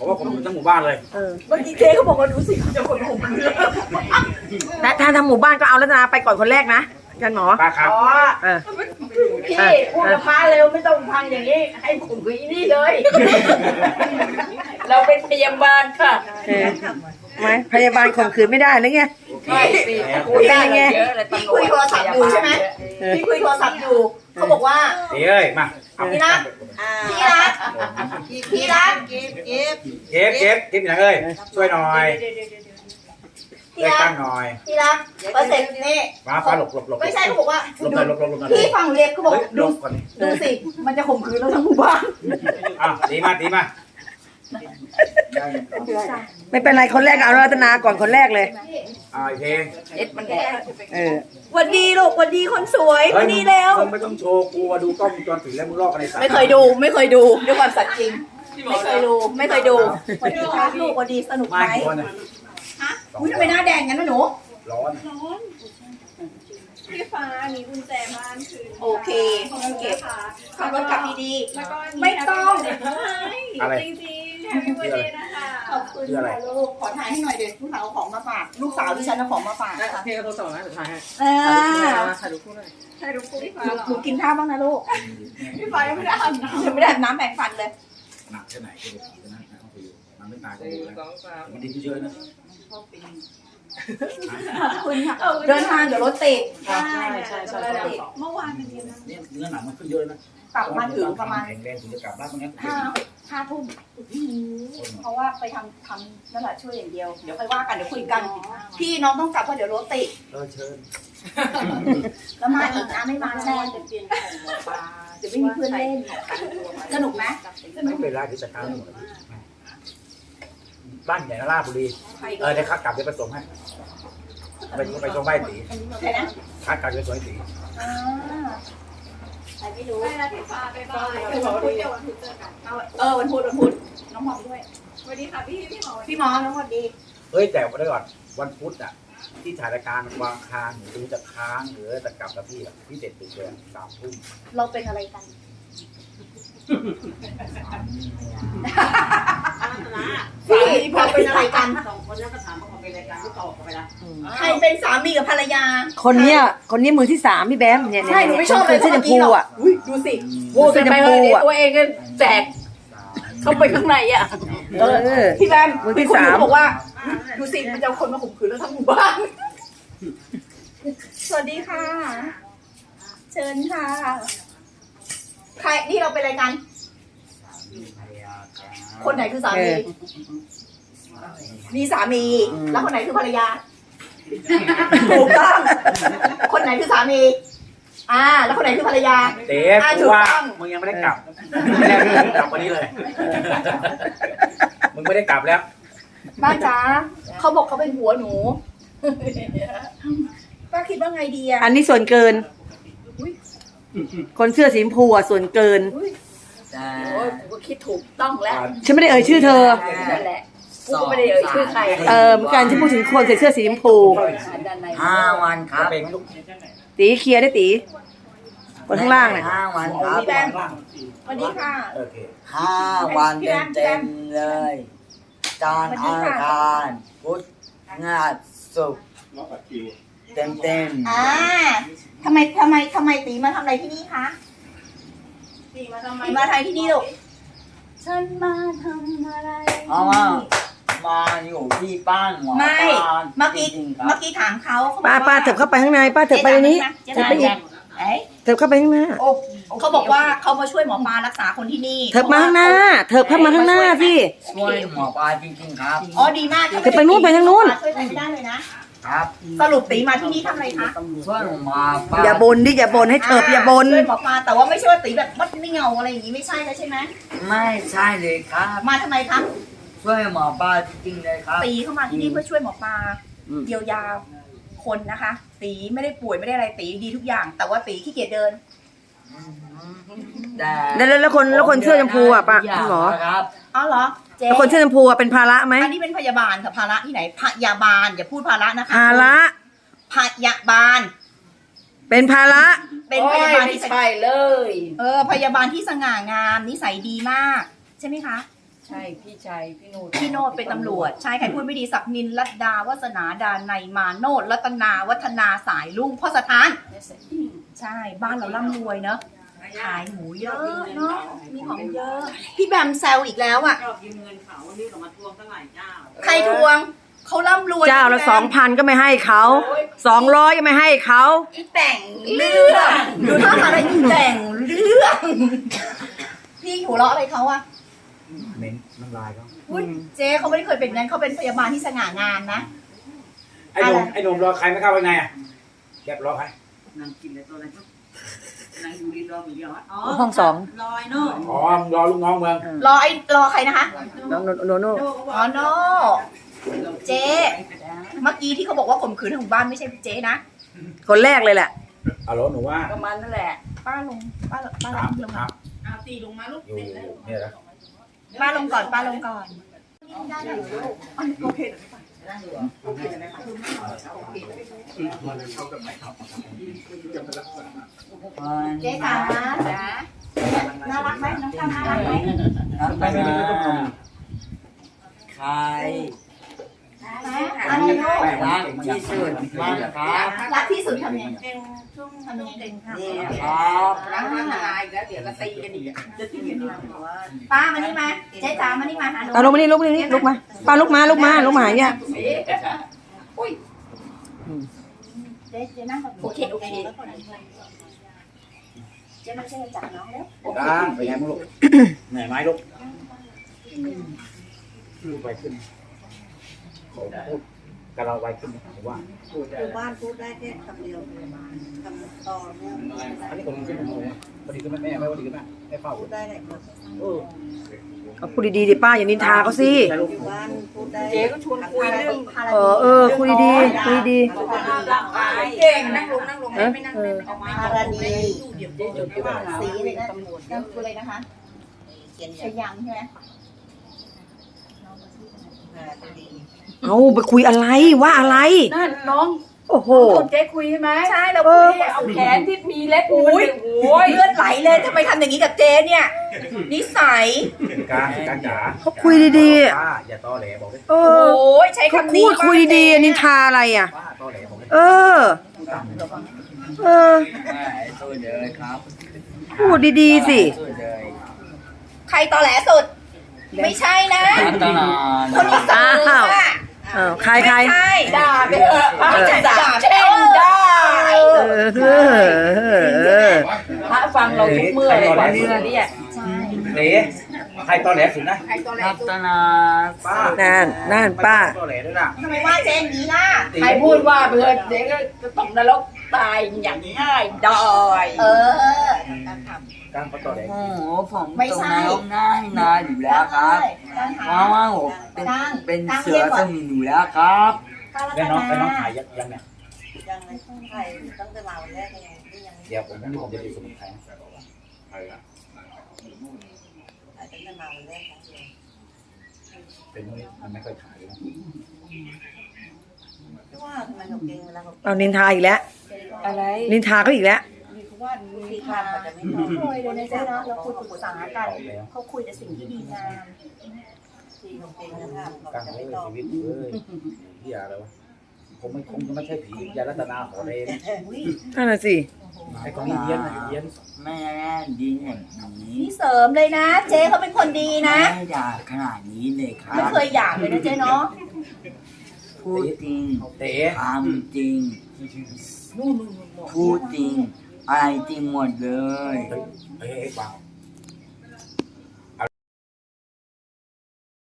ผมว่าผมอยู่ทั้งหมู่บ้านเลยเมื่อกี้เจ๊เขาบอกว่าดูสิจะคนผมแต่ถ้าทำหมู่บ้านก็เอารัตนาไปก่อนคนแรกนะกันหมอป้าครับพี่พูดกับป้าเร็วไม่ต้องพังอย่างนี้ให้ผมคุยนี่เลย เราเป็นพยาบาลค่ะไหมพยาบาลข่มขืนไม่ได้หรือไงไม่คุยได้ไงพี่คุยโทรศัพท์อยู่ใช่ไหมพี่คุยโทรศัพท์อยู่เขาบอกว่าเอ้ยมาพี่รักพี่รักเก็บอย่างเอ้ยช่วยหน่อยช่วยตั้งหน่อยพี่รักเปอร์เซ็นต์นี่ฟ้าหลบไม่ใช่เขาบอกว่าหลบหน่อยพี่ฟังเรียกเขาบอกหลบก่อนดูสิมันจะข่มขืนเราทั้งหมู่บ้านตีมาไม่เป็นไรคนแรกเอารัตนาก่อนคนแรกเลยโอเคมันแก่วันดีลูกวันดีคนสวยวันดีแล้วไม่ต้องโชว์กูมาดูกล้องวงจรปิดแล้วมึงลอกอะไรสักไม่เคยดูด้วยความสัตย์จริงไม่เคยดูวันดีครับลูกวันดีสนุกไหมฮะอุ้ยทำไมหน้าแดงงั้นนะหนูร้อนพี่ฟ้ามีกุญแจบ้านคืนโอเคเก็บขับรถกลับดีๆไม่ต้องจริงๆแฮปปี้วันเดย์นะคะขอบคุณค่ะลูกขอถ่ายให้หน่อยเดี๋ยวลูกสาวเอาของมาฝากลูกสาวดิฉันเอาของมาฝากค่ะพี่ก็โทรศัพท์นะถ่ายให้ถ่ายรูปคู่หน่อยถ่ายรูปคู่พี่ฟ้าหนูกินข้าวบ้างนะลูกพี่ฟ้ายังไม่ได้อาบน้ำยังไม่ได้อาบน้ำแบ่งฟันเลยหนักแค่ไหนก็ดูนะต้องไปอยู่มันไม่ตายก็ดูแล้วมันดีขึ้นเยอะนะคุณค่ะเดินทางเดี๋ยวรถติดใช่เมื่อวานเป็นยังไงเนี่ยเนื้อหนังมันขึ้นเยอะนะกลับมาถึงประมาณแข็งแรงถึงจะกลับบ้านตรงนี้ห้าทุ่มเพราะว่าไปทำนั่นแหละช่วยอย่างเดียวเดี๋ยวค่อยว่ากันเดี๋ยวคุยกันพี่น้องต้องกลับเพราะเดี๋ยวรถติดเชิญแล้วมาอีกนะไม่มาแน่เดี๋ยวไม่มีเพื่อนเล่นสนุกไหมไม่เป็นไรที่จะกลางหมดบ้านใหญ่นะราชบุรีเดี๋ยวข้ากลับเดี๋ยวไปส่งให้ไปส่งใบตีข้ากลับเดี๋ยวส่งให้ตีใครไม่รู้ไปแล้วพี่ฟ้าไปบ้านเดี๋ยววันพุธเจอกันวันพุธน้องหมอด้วยสวัสดีค่ะพี่หมอน้องหมอดีเฮ้ยแต่วันนี้ก่อนวันพุธอ่ะที่ถ่ายรายการวางค้างหรือจะค้างหรือจะกลับกับพี่เด็ดติดเลย3 ทุ่มเราเป็นอะไรกันพี่พอเป็นอะไรกัน2 คนแล้วก็ถามว่าเขาเป็นอะไรกันก็ตอบไปละใครเป็นสามีกับภรรยาคนเนี้ยมือที่3พี่แบมเนี่ยใช่หนูไม่ชอบเลยเสื้อชมพูอ่ะดูสิโว้ยไปเลยตัวเองก็แจกเข้าไปข้างในอ่ะพี่แบมมือที่3 บอกว่าดูสิมันจะคนมาข่มขืนแล้วทั้งหมู่บ้านสวัสดีค่ะเชิญค่ะใครนี่เราเป็นอะไรกันคนไหนคือสามีมีสามีแล้วคนไหนคือภรรยาถูกต้องคนไหนคือสามีแล้วคนไหนคือภรรยาเต๊ะว่ามึงยังไม่ได้กลับไม่ได้กลับวันนี้เลยมึงไม่ได้กลับแล้วป้าจ๋าเขาบอกเขาเป็นหัวหนูป้าคิดว่าไงดีอ่ะอันนี้ส่วนเกินคนเสื้อสีชมพูส่วนเกินโอ้ยกูคิดถูกต้องแล้วฉันไม่ได้เอ่ยชื่อเธอนั่นแหละกูก็ไม่ได้เอ่ยชื่อใครเหมือนกันฉันพูดถึงคนใส่เสื้อสีชมพู 5 วันครับตีเคลียร์ได้ตีคนข้างล่างเนี่ย 5 วันครับสวัสดีค่ะ 5 วันเต็มเลยจันทร์อังคารพุธพฤหัสศุกร์เต็มทำไมตีมาทำอะไรที่นี่คะตีมาทำที่นี่ลูกฉันมาทำอะไรมาอยู่ที่บ้านหมอไม่เมื่อกี้ถามเขาป้าเถิบเข้าไปข้างในป้าเถิบไปในนี้เถิบไปอีกเถิบเข้าไปข้างหน้าเขาบอกว่าเขามาช่วยหมอปลารักษาคนที่นี่เถิบมาข้างหน้าเถิบเข้ามาข้างหน้าพี่ช่วยหมอปลาจริงๆครับดีมากเถิบไปนู้นไปทางนู้นช่วยได้เลยนะครับสรุปตีมาที่นี่ทำอะไรคะช่วยหมอปลาอย่าบ่นดิอย่าบ่นให้เถิบอย่าบ่นช่วยหมอปลาแต่ว่าไม่ใช่ว่าตีแบบมัดไม่เงาอะไรอย่างนี้ไม่ใช่ใช่ไหมไม่ใช่เลยครับมาทำไมครับช่วยหมอปลาจริงๆเลยครับตีเข้ามาที่นี่เพื่อช่วยหมอปลาเยียวยาคนนะคะตีไม่ได้ป่วยไม่ได้อะไรตีดีทุกอย่างแต่ว่าตีขี้เกียจเดินแล้วคนเสื้อชมพูอ่ะป้าหมอเหรอแล้วคนเสื้อชมพูเป็นภาระไหมอันนี้เป็นพยาบาลค่ะภาระที่ไหนพยาบาลอย่าพูดภาระนะคะภาระพยาบาลเป็นภาระเป็นพยาบาลที่ใช่เลยพยาบาลที่สง่างามนิสัยดีมากใช่ไหมคะใช่พี่ชายพี่โนดพี่โนดเป็นตำรวจใช่ใครพูดไม่ดีศักนินรัตดาวาสนาดานในยมาโนดรัตนาวัฒนาสายลุงพ่อสถาน ใช่บ้านเราร่ำรวยเนอะขายหมูเยอะเนาะมีของเยอะ พี่แบมแซวอีกแล้วอ่ะชอบยืมเงินเขาวันนี้เขามาทวงตั้งหลายเจ้าใครทวงเขาร่ำรวยเจ้าละ2,000ก็ไม่ให้เขา200ก็ไม่ให้เขาอีแต่งเรื่องดูท่าทางอะไรอีแต่งเรื่อง พี่หัวเราะอะไรเขาอะเน้นน้ำลายเขาอุ๊ยเจ๊เขาไม่ได้เคยเป็นนั้นเขาเป็นพยาบาลที่สง่างามนะไอ้หนุ่มรอใครไม่เข้าไปไงอ่ะแกรอใครนางกินอะไรตัวอะไรก็นางอยู่ดีรอหมูยอดอ๋อห้องสองลอยเนาะอ๋อมึงรอลูกน้องเมืองรอใครนะคะน้องโนโน่อ๋อโนเจ๊เมื่อกี้ที่เขาบอกว่าข่มขืนถึงบ้านไม่ใช่เจ๊นะคนแรกเลยแหละอ๋อรถหนูว่าประมาณนั่นแหละป้าลงป้าลงถามลงถามเอาตีลงมาลูกอยู่เนี่ยนะป้าลงก่อนป้าลงก่อนได้ไหมโอเค เจ๊จ๋าน่ารักไหมน้องตั้มน่ารักไหมรัตนาใครอะไรโน่รักที่สุดมากครับรักที่สุดทำยังไงทำยังไงนี่ครับล้างหน้าอีกแล้วเดี๋ยวก็ตีกันอีกจะตีกันอีกป้ามานี่มาเจ๊จ๋ามานี่มาหาหนูตาลุกมานี่ลุกมาป้าลุกมาเนี่ยเจ๊นั่งก่อนโอเคเจ๊มาช่วยจับน้องแล้วดังเป็นไงมึงลูกเหนื่อยไหมลูกพูดไปขึ้นเขาพูดกับเราไวขึ้นผมว่าอยู่บ้านพูดได้แค่คำเดียวคำต่อเนี่ยอันนี้คนขึ้นพอดีขึ้นแม่ไม่พอดีขึ้นแม่ไม่เฝ้าพูดได้ไหนครับเอาพูดดีๆดิป้าอย่านินทาเขาสิอยู่บ้านพูดได้เจ๊ก็ชวนคุยเรื่องคุยดีดีเก่งนั่งลงไม่นั่งออกมาพาราดีเดี๋ยวเจ๊จดไปว่าสีเลยนะตำรวจนั่นคืออะไรนะคะเขียนชยังใช่ไหมเอาไปคุยอะไรว่าอะไรนั่นน้องโอ้โหคนเจ๊คุยใช่ไหมใช่เราคุยเอาแขนที่มีเล็บมันเป็นโอ้ยเลือดไหลเลยทำไมทำอย่างนี้กับเจ๊เนี่ย นิสัยการจ๋าเขาคุยดีๆป้าอย่าตอแหลบอกเลยเอโอ้อยใช้เขาคำนี้พูดคุยดีๆนินทาอะไรอ่ะป้าตอแหลบอกเลยเออสู้เลยครับพูดดีๆสิสู้เลยใครตอแหลสุด ไม่ใช่นะรัตนาคนที่สองอะใครไม่ใช่ด่าไปเถอะไม่ใช่ด่าเช่นได้พระฟังเราทุกเมื่อเลยกว่าเนื้อเนี่ยใช่เต๋ใครตอแหลสุดนะใครตัวแรรักตนาป้านั่นป้าตอแหลด้วยนะทำไมว่าเจ๊อย่างนี้ล่ะใครพูดว่าเพื่อนเด็กก็จะตกนรกตายอย่างง่ายดอยเออการเขาตอแหลโอ้โหผมไม่ตกใช่นรกง่ายนานอยู่แล้วครับเพราะว่าผมเป็นเสือสมิงอยู่แล้วครับแล้วน้องถ่ายยังเนี่ยยังไม่ต้องใครตั้งแต่เราแรกยังที่ยังเดี๋ยวผมจะดูสมุนไพรอาจจะตั้งแต่เราแรกครั้งเดียวเป็นพวกนี้มันไม่ค่อยถ่ายเลยที่ว่าทำไมเขาเก่งเวลาเขาเอานินทาอีกแล้วอะไรนินทาเขาอีกแล้วที่ข้ามเขาจะไม่พอคุยเลยนะเจ๊เนาะเราคุยปรึกษากันเขาคุยแต่สิ่งที่ดีงามที่เขาเก่งนะครับเขากลางจะเลไม่ยตอบชีวิตเลยที่อะไรวะคงจะไม่ใช่ผียารัตนาขอเรนนั่นน่ะสิไอ้คนนี้เยี้ยนเยี้ยนแม่ดีอย่างนี้นี่เสริมเลยนะ เจ๊เขาเป็นคนดีนะไม่ด่าขนาดนี้เลยครัไม่บเคยหยาบเลยนะเจ๊เนาะพูดจริงเต๋ทำจริงพูดจริงอะไรจริงหมดเลยเฮ้ยเปล่า